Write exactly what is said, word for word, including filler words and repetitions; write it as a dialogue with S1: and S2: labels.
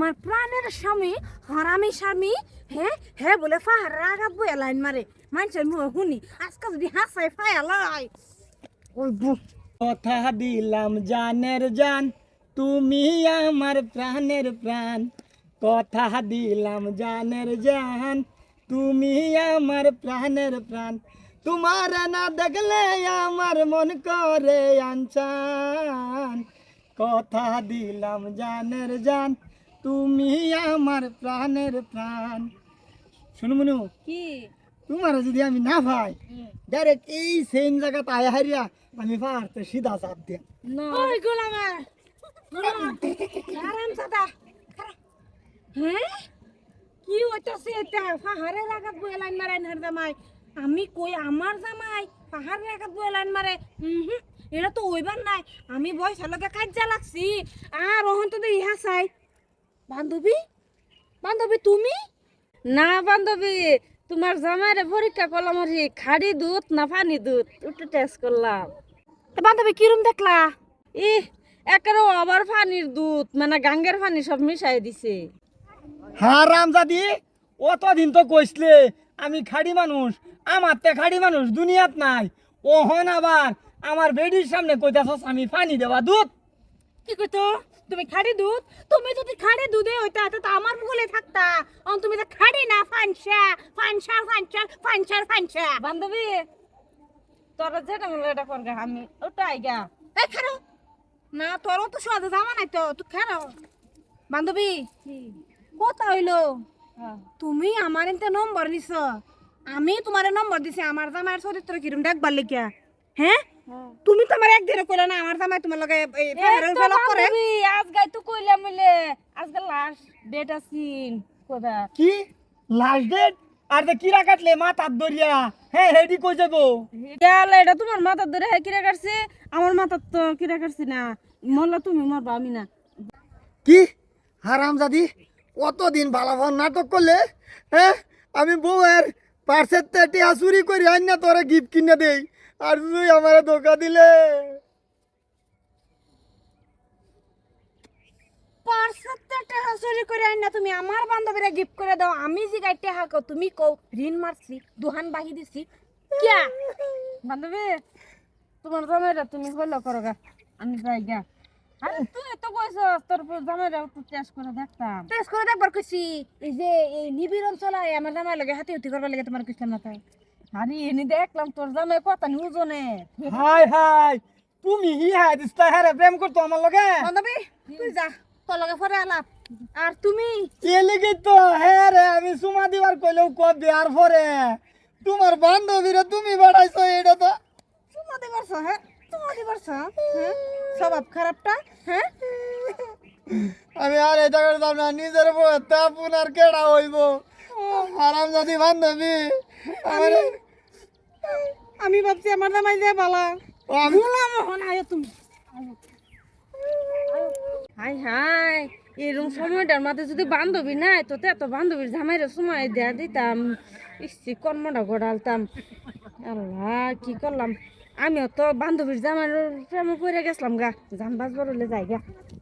S1: আমার প্রাণের স্বামী হারামি স্বামী হ্যাঁ হ্যাঁ বলে ফাহার রাগাবো লাইন মারে মানুষের মুখ শুনি আজকে যদি হাসাই ফায়ালাই ওই বুক
S2: কথা দিলাম জানের জান তুমি আমার প্রাণের প্রাণ কথা দিলাম জানের জান তুমি আমার প্রাণের প্রাণ তোমার না দেখলে আমার মন করে আনচান কথা দিলাম জানের জান তুমি আমার প্রাণের প্রাণ শুনু মনু
S1: কি
S2: তোমার যদি আমি না ভাই ডাইরেক্ট এই সেম জায়গাতে আয়া হারিয়া আমি পারতে সিধা চাপ দিয়া
S1: ওই গোলামে আরাম সাদা হ্যাঁ কি হইতাছে এটা পাহাড়ে রাগাবো লাইন মারে না জামাই আমি কই আমার জামাই পাহাড়ে রাগাবো লাইন মারে হুম এটা তো হইবার নাই আমি বয়স লগে কাজা লাগছি আর ওহন তো ইহা চাই বান্ধবী বান্ধবী তুমি
S3: না বান্ধবী তোমার জামাইরে পরীক্ষা করলাম আর কি, খাড়ি দুধ না পানি দুধ একটু টেস্ট করলাম।
S1: তো বান্ধবী কিরম দেখলা
S3: ই একের আবার পানির দুধ মানে গাঙ্গের পানি সব মিশাই দিছে।
S2: হ্যাঁ রামজাদি অতদিন তো কইসলে আমি খাড়ি মানুষ আমার তে খাড়ি মানুষ দুনিয়াত নাই ওহন আবার আমার বেডির সামনে কইতাছস আমি পানি দেওয়া দুধ
S1: কি কইতো তুমি খাড়ি দুধ তুমি যদি খাড়ি দুধে হইতা তো আমার বলে থাকতা অন তুমি তো খাড়ি না ফানসা ফানসা ফানসা ফানসা ফানসা
S3: বান্ধবী তোরা যেটা মনে এটা করগা আমি ওটা আইগা
S1: এই খারো না তোরও তো সাদা জামা নাই তো তুই খারো বান্ধবী কথা হইলো তুমি আমার এতে নম্বর দিছ আমি তোমার নম্বর দিছি আমার জামাইয়ের চরিত্র কিরম দেখবার লিখিয়া হ্যাঁ তুমি তো আমার একদিনে কইলা না আমার জামাই তোমার লগে এই পাহাড়ের ফেলা করে
S3: আজ গাই তো কইলাম মিলে আজকে লাস্ট ডেট আছিন কোদা
S2: কি লাস্ট ডেট আর তে কিরা কাটলে মাথার দরিয়া হ্যাঁ হেডি কই যাবো
S3: গেল এটা তোমার মাথার ধরে কিরা কাটছে আমার মাথার তো কিরা কাটছে না মরলা তুমি মরবা আমি না।
S2: কি হারামজাদি কতদিন ভালাভান নাটক করলে হ্যাঁ আমি বউয়ের পার্সের তে টিয়া চুরি করি আইন না তোরা গিফট কিনে দেই আর তুই আমারে ধোকা দিলে
S1: পার্সেতে টাকা চুরি করে আইন না তুমি আমার বান্ধবীরা গিফট করে দাও আমি যে গাইতে হাকো তুমি কও ঋণ মারছি দুহান বাহি দিছি কিয়া
S3: বান্ধবী তোমার জামাইরা তুমি হইলো করো গা আমি যাই গা। আরে তুই তো কইছ তোর জামাইরা একটু টেস্ট করে দেখতাম।
S1: টেস্ট করে দেখবার কইছি এই যে এই নিবিড় অঞ্চলে আমার জামাই লগে হাতে হুতি করবার লাগে তোমার কইছিলাম না তাই
S3: আরে এনে দেখলাম তোর জামাই কথা নিউজনে
S2: হাই হাই তুমি হি হাই দিস্তা হ্যাঁ প্রেম করতো আমার লগে
S1: বান্ধবী তুই যা তোর লগে পরে আলাপ আর তুমি
S2: এ লেগে তো হ্যাঁ রে আমি সুমা দিবার কইলেও কব বিয়ার পরে তোমার বান্ধবীরা তুমি বাড়াইছো এটা তো
S1: চুমা দিবারছ হ্যাঁ চুমা দিবারছ হ্যাঁ স্বভাব খারাপটা হ্যাঁ
S2: আমি আর এটা করতাম না নিজের বউ তা পুনার কেডা হইব আরাম যদি বান্ধবী আমার
S1: আমি ভাবছি আমার জামাই যে বালা
S2: ও আমি
S1: বললাম হন আয় তুমি
S3: হাই হাই এরকম সময়টার মাঝে যদি বান্ধবী নাই তো এত বান্ধবীর জামাইরে সময় দেয়া দিতাম ইসি কর্মটা গড়ালতাম। আল্লাহ কি করলাম আমিও তো বান্ধবীর জামাইয়ের প্রেমে পড়ে গেছিলাম গা জান বাজবার হলে যাই গা।